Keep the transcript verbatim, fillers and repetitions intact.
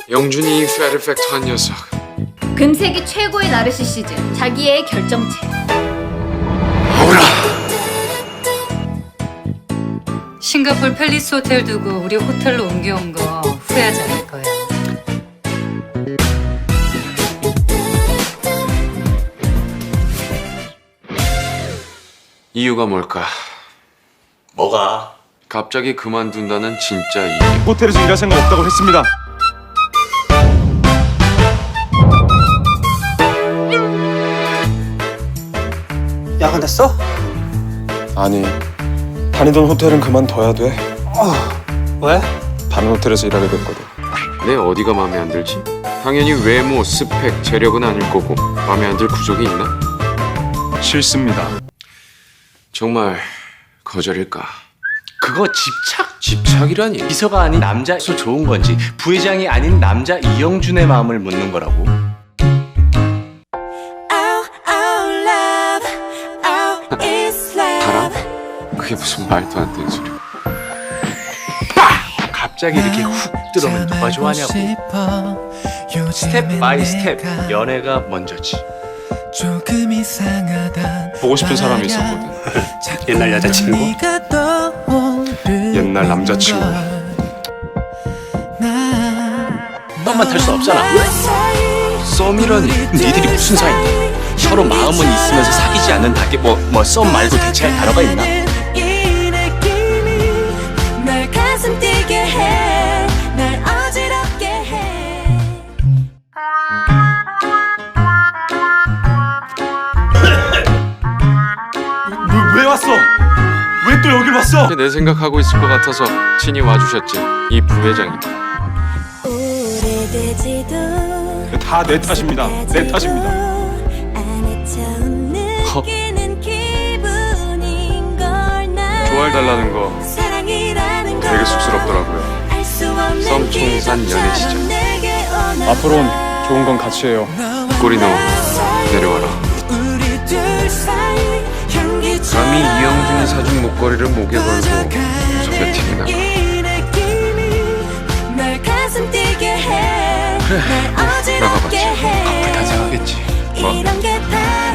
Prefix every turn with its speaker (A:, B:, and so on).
A: 영준이 페르펙트한 녀석.
B: 금색이 최고의 나르시시즘, 자기의 결정체.
A: 오라.
C: 싱가포르 팰리스 호텔 두고 우리 호텔로 옮겨온 거 후회하지 않을 거야.
A: 이유가 뭘까?
D: 뭐가?
A: 갑자기 그만둔다는 진짜 이유.
E: 호텔에서 일할 생각 없다고 했습니다.
D: 야근했어?
E: 아니, 다니던 호텔은 그만둬야 돼.
D: 왜?
E: 다른 호텔에서 일하게 됐거든.
A: 내 어디가 마음에 안 들지? 당연히 외모, 스펙, 재력은 아닐 거고 마음에 안 들 구석이 있나?
E: 싫습니다.
A: 정말 거절일까?
D: 그거 집착?
A: 집착이라니.
D: 비서가 아닌 남자에서 좋은 건지 부회장이 아닌 남자 이영준의 마음을 묻는 거라고.
A: 바람? 그게 무슨 말도 안 되는 소리야.
D: 갑자기 이렇게 훅 들어오면 누가 좋아하냐고. 스텝 바이 스텝 연애가 먼저지.
E: 보고 싶은 사람이 있었거든.
D: 옛날 여자친구?
E: 옛날 남자친구.
D: 썸만 탈 수 없잖아.
A: 썸이라니.
D: 니들이 무슨 사이냐? 서로 마음은 있으면서 사귀지 않는다게 뭐 뭐 썸 말고 대체할 단어가 있나?
E: 왜, 왜 왔어? 왜 또 여길 왔어?
A: 내 생각하고 있을 것 같아서 친히 와주셨지. 이 부회장이다.
E: 다 내 탓입니다. 내 탓입니다.
A: 허. 좋아해달라는 거 되게 쑥스럽더라고요. 썸총산 연애 시절.
E: 앞으로는 좋은 건 같이 해요.
A: 꼬리 넣어 내려와라. 감히 이영준이 사준 목걸이를 목에 걸고 소개팅이나. 그래, 나가봤지.
D: 커플 탄생하겠지.
A: 뭐?